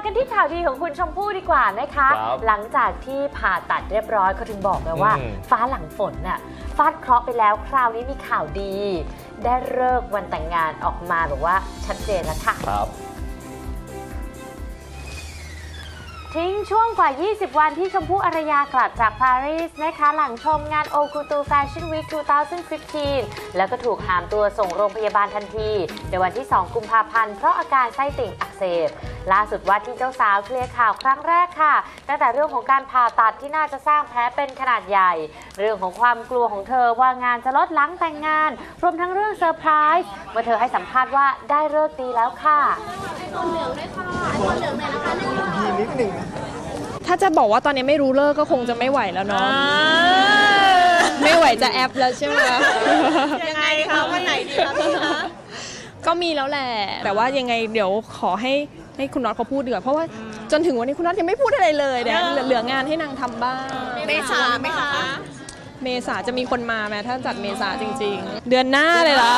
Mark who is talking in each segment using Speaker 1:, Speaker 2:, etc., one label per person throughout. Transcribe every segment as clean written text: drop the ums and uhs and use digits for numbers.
Speaker 1: กันที่ข่าวดีของคุณชมพู่ดีกว่านะคะหลังจากที่ผ่าตัดเรียบร้อยเขาถึงบอกไงว่าฟ้าหลังฝนน่ะฟาดเคราะห์ไปแล้วคราวนี้มีข่าวดีได้ฤกษ์วันแต่งงานออกมาแบบว่าชัดเจนแล้วค่ะทิ้งช่วงกว่า 20 วันที่ชมพู่อารยากลับจากปารีสนะคะหลังชมงานโอคูตูแฟชั่นวีค 2015 แล้วก็ถูกหามตัวส่งโรงพยาบาลทันทีในวันที่ 2 กุมภาพันธ์เพราะอาการไส้ติ่งอักเสบล่าสุดว่าที่เจ้าสาวเคลียร์ข่าวครั้งแรกค่ะตั้งแต่เรื่องของการผ่าตัดที่น่าจะสร้างแผลเป็นขนาดใหญ่เรื่องของความกลัวของเธอว่างานจะลดหลังแต่งงานรวมทั้งเรื่องเซอร์ไพรส์เมื่อเธอให้สัมภาษณ์ว่าได้ฤกษ์ดีแล้วค่ะ
Speaker 2: ไอโฟนเหลืองด้วยค่ะไอโฟนเหลืองเลยนะคะ
Speaker 3: นิดหนึ่ง
Speaker 4: ถ้าจะบอกว่าตอนนี้ไม่รู้เลิกก็คงจะไม่ไหวแล้วเนาะไม่ไหวจะแอปแล้วใช่ไหม
Speaker 2: ยังไงคะวันไหนดีคะพี่คะ
Speaker 4: ก็มีแล้วแหละแต่ว่ายังไงเดี๋ยวขอให้คุณน็อตเขาพูดดีกว่าเพราะว่าจนถึงวันนี้คุณน็อตยังไม่พูดอะไรเลยเนี่ยเหลืองานให้นางทำบ้าง
Speaker 2: เมษาไหมคะ
Speaker 4: เมษาจะมีคนมาไหมถ้าจัดเมษาจริงๆเดือนหน้าเลยล่ะ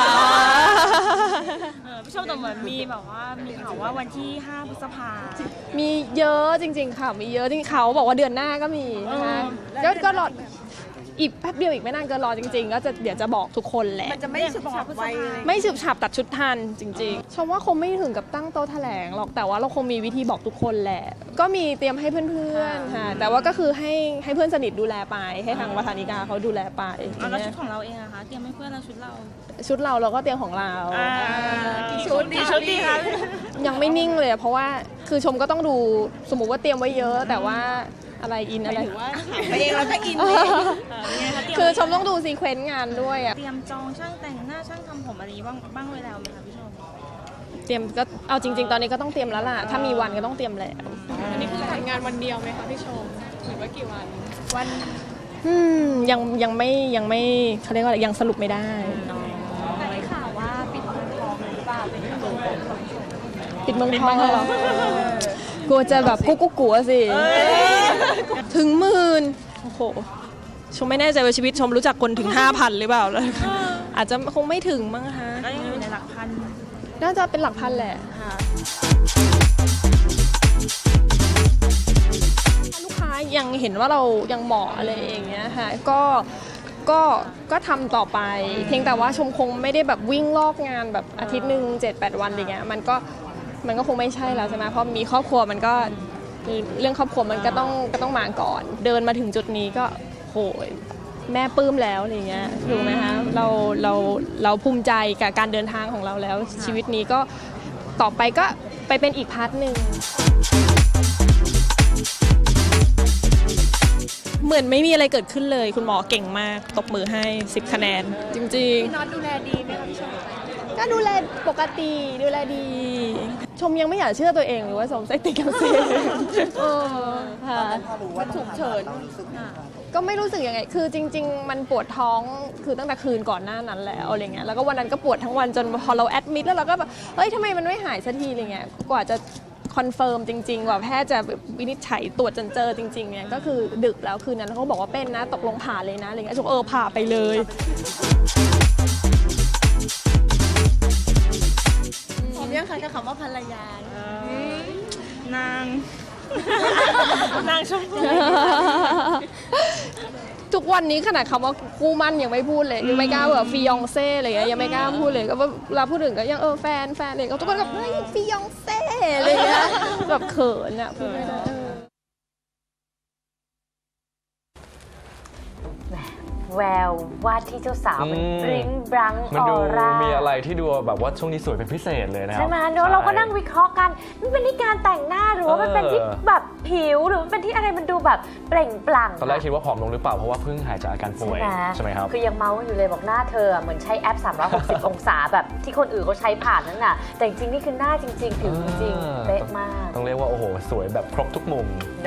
Speaker 5: พี่ชมแต่เหมือนมีแบบว่ามีข่าวว่าวันที่ 5 พฤษภา
Speaker 4: มีเยอะจริงๆค่ะมีเยอะจริงเขาบอกว่าเดือนหน้าก็มีนะคะก็รออีกแป๊บเดียวอีกไม่นานเกินรอจริงๆก็จะเดี๋ยวจะบอกทุกคนแหละ
Speaker 2: มันจะไม่ฉึบฉับไว
Speaker 4: ไม่ฉึบฉับตัดชุดทันจริงๆชมว่าคงไม่ถึงกับตั้งโต๊ะแถลงหรอกแต่ว่าเราคงมีวิธีบอกทุกคนแหละก็มีเตรียมให้เพื่อนๆค่ะแต่ว่าก็คือให้เพื่อนสนิทดูแลไปให้ทางวัฒนิกาเขาดูแลไป
Speaker 5: แล้วชุดของเราเองอะคะเตรียมให้เพื่อนเราชุด
Speaker 4: เราก็เตรียมของเรา
Speaker 5: ชุดดีคะ
Speaker 4: ยังไม่นิ่งเลยเพราะว่าคือชมก็ต้องดูสมมุติว่าเตรียมไว้เยอะแต่ว่าอะไรอินอะไร
Speaker 2: ถือว่าไปเองแล้วก็อิน
Speaker 4: คือชมต้องดูซีเควนต์งานด้วยอะ
Speaker 5: เตรียมจองช่างแต่งหน้าช่างทำผมอะไรบ้างไว้แล้วไหมคะพี่ชม
Speaker 4: เตรียมก็เอาจริงๆตอนนี้ก็ต้องเตรียมแล้วล่ะถ้ามีวันก็ต้องเตรียมแล้ว
Speaker 6: อันนี้คือจัดงานวันเดียวไหมคะพี่ชมหรือว่ากี่วัน
Speaker 4: ยังไม่เขาเรียกว่าอะไรยังสรุปไม่ได้
Speaker 2: แต่ได้ข่าวว่าปิดเมืองทองหรือเปล่า
Speaker 4: ปิดเมืองทองเหรอ กลัวจะแบบกุ๊กกัวสิถึง10,000โอ้โหชมไม่แน่ใจว่าชีวิตชมรู้จักคนถึง 5,000 หรือเปล่าเลยอาจจะคงไม่ถึงมั้งคะ
Speaker 5: ก็ยังอยู่ในหลักพัน
Speaker 4: น่าจะเป็นหลักพันแหละค่ะลูกค้ายังเห็นว่าเรายังเหมาะอะไรอย่างเงี้ยค่ะก็ทำต่อไปเพียงแต่ว่าชมคงไม่ได้แบบวิ่งลอกงานแบบอาทิตย์หนึ่ง 7-8 วันอย่างเงี้ยมันก็คงไม่ใช่แล้วใช่ไหมเพราะมีครอบครัวมันก็เรื่องครอบครัวมันก็ต้องมาก่อนเดินมาถึงจุดนี้ก็โหยแม่ปลื้มแล้วอะไรเงี้ยถูกไหมคะเราภูมิใจกับการเดินทางของเราแล้วชีวิตนี้ก็ต่อไปก็ไปเป็นอีกพาร์ทหนึ่งเหมือนไม่มีอะไรเกิดขึ้นเลยคุณหมอเก่งมากตบมือให้10 คะแนนจริงๆ
Speaker 2: พี่น็อตดูแลดีไหมคะพี่ชม
Speaker 4: ก็ดูแลปกติดูแลดีชมยังไม่อยากเชื่อตัวเองหรือว่าสมไส้ติ่งอักเสบค่ะ
Speaker 2: มันฉุกเฉิน
Speaker 4: ก็ไม่รู้สึกยังไงคือจริงๆมันปวดท้องคือตั้งแต่คืนก่อนหน้านั้นแล้วอะไรเงี้ยแล้วก็วันนั้นก็ปวดทั้งวันจนพอเราแอดมิดแล้วเราก็แบบเฮ้ยทำไมมันไม่หายสักทีอะไรเงี้ยกว่าจะคอนเฟิร์มจริงๆกว่าแพทย์จะวินิจฉัยตรวจจนเจอจริงๆเนี่ยก็คือดึกแล้วคืนนั้นเขาบอกว่าเป็นนะตกลงผ่าเลยนะอะไรเงี้ยชมผ่าไปเลย
Speaker 2: ผมยังคันกับคำว่าภรรย
Speaker 5: านางชมพู่
Speaker 4: ทุกวันนี้ขนาดคำว่าคู่มั่นยังไม่พูดเลยยังไม่กล้าแบบฟิยองเซ่อะไรเงี้ยยังไม่กล้าพูดเลยก็ว่าเวลาพูดถึงก็ยังแฟนเลยก็ทุกคนแบบเฮ้ยฟิยองเซ่อะไรเงี้ยแบบเขินอะพูดไม่ได้
Speaker 1: แววว่าที่เจ้าสาวมันบริ้งบรังออร่า
Speaker 3: มีอะไรที่ดูแบบว่าช่วงนี้สวยเป็นพิเศษเลยนะครับ
Speaker 1: ใช่ไหมเนอะเราก็นั่งวิเคราะห์กันมันเป็นที่การแต่งหน้าหรือว่ามันเป็นที่แบบผิวหรือมันเป็นที่อะไรมันดูแบบเปล่งปลั่ง
Speaker 3: ตอนแรกคิดว่าผอมลงหรือเปล่าเพราะว่าเพิ่งหายจากอาการป่วยใช่ไหมครับ
Speaker 1: คือยังเมาอยู่เลยบอกหน้าเธอเหมือนใช้แอป360 องศาแบบที่คนอื่นเขาใช้ผ่านนั่นน่ะแต่จริงนี่คือหน้าจริงๆผิวจริงๆเป๊ะมาก
Speaker 3: ต้องเรียกว่าโอ้โหสวยแบบครบทุกมุม